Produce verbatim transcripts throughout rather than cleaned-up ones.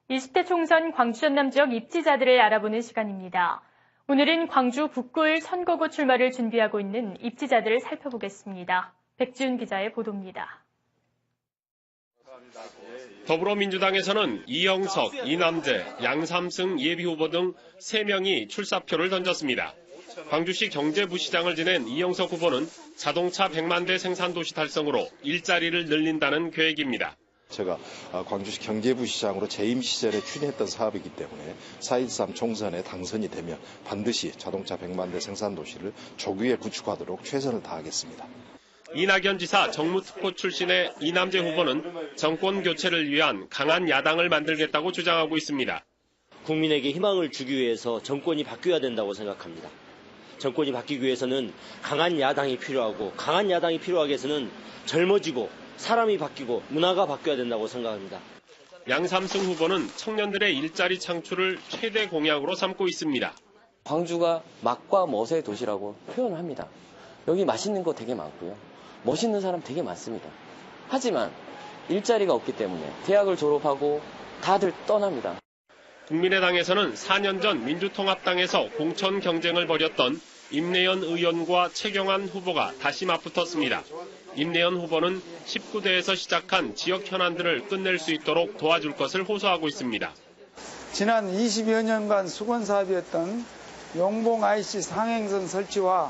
이십 대 총선 광주 전남 지역 입지자들을 알아보는 시간입니다. 오늘은 광주 북구을 선거구 출마를 준비하고 있는 입지자들을 살펴보겠습니다. 백지훈 기자의 보도입니다. 더불어민주당에서는 이영석, 이남재, 양삼승 예비후보 등 세 명이 출사표를 던졌습니다. 광주시 경제부시장을 지낸 이영석 후보는 자동차 백만 대 생산도시 달성으로 일자리를 늘린다는 계획입니다. 제가 광주시 경제부시장으로 재임 시절에 추진했던 사업이기 때문에 사 일삼 총선에 당선이 되면 반드시 자동차 백만 대 생산도시를 조기에 구축하도록 최선을 다하겠습니다. 이낙연 지사 정무특보 출신의 이남재 후보는 정권 교체를 위한 강한 야당을 만들겠다고 주장하고 있습니다. 국민에게 희망을 주기 위해서 정권이 바뀌어야 된다고 생각합니다. 정권이 바뀌기 위해서는 강한 야당이 필요하고 강한 야당이 필요하기 위해서는 젊어지고 사람이 바뀌고 문화가 바뀌어야 된다고 생각합니다. 양삼승 후보는 청년들의 일자리 창출을 최대 공약으로 삼고 있습니다. 광주가 맛과 멋의 도시라고 표현을 합니다. 여기 맛있는 거 되게 많고요. 멋있는 사람 되게 많습니다. 하지만 일자리가 없기 때문에 대학을 졸업하고 다들 떠납니다. 국민의당에서는 사 년 전 민주통합당에서 공천 경쟁을 벌였던 임내연 의원과 최경환 후보가 다시 맞붙었습니다. 임내연 후보는 십구 대에서 시작한 지역 현안들을 끝낼 수 있도록 도와줄 것을 호소하고 있습니다. 지난 이십여 년간 수건사업이었던 용봉 아이씨 상행선 설치와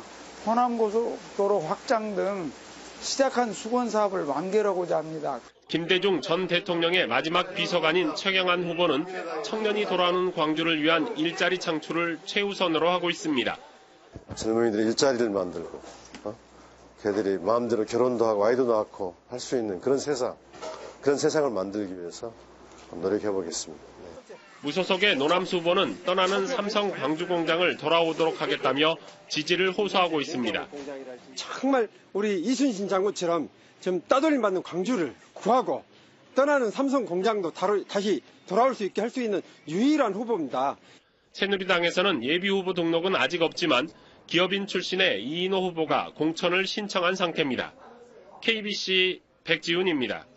호남고속도로 확장 등 시작한 수건사업을 완결하고자 합니다. 김대중 전 대통령의 마지막 비서관인 최경환 후보는 청년이 돌아오는 광주를 위한 일자리 창출을 최우선으로 하고 있습니다. 젊은이들이 일자리를 만들고 어? 걔들이 마음대로 결혼도 하고 아이도 낳고 할 수 있는 그런 세상, 그런 세상을 만들기 위해서 노력해 보겠습니다. 네. 무소속의 노남수 후보는 떠나는 삼성 광주 공장을 돌아오도록 하겠다며 지지를 호소하고 있습니다. 정말 우리 이순신 장군처럼 좀 따돌림 받는 광주를 구하고 떠나는 삼성 공장도 다시 돌아올 수 있게 할 수 있는 유일한 후보입니다. 새누리당에서는 예비후보 등록은 아직 없지만 기업인 출신의 이인호 후보가 공천을 신청한 상태입니다. 케이비씨 백지훈입니다.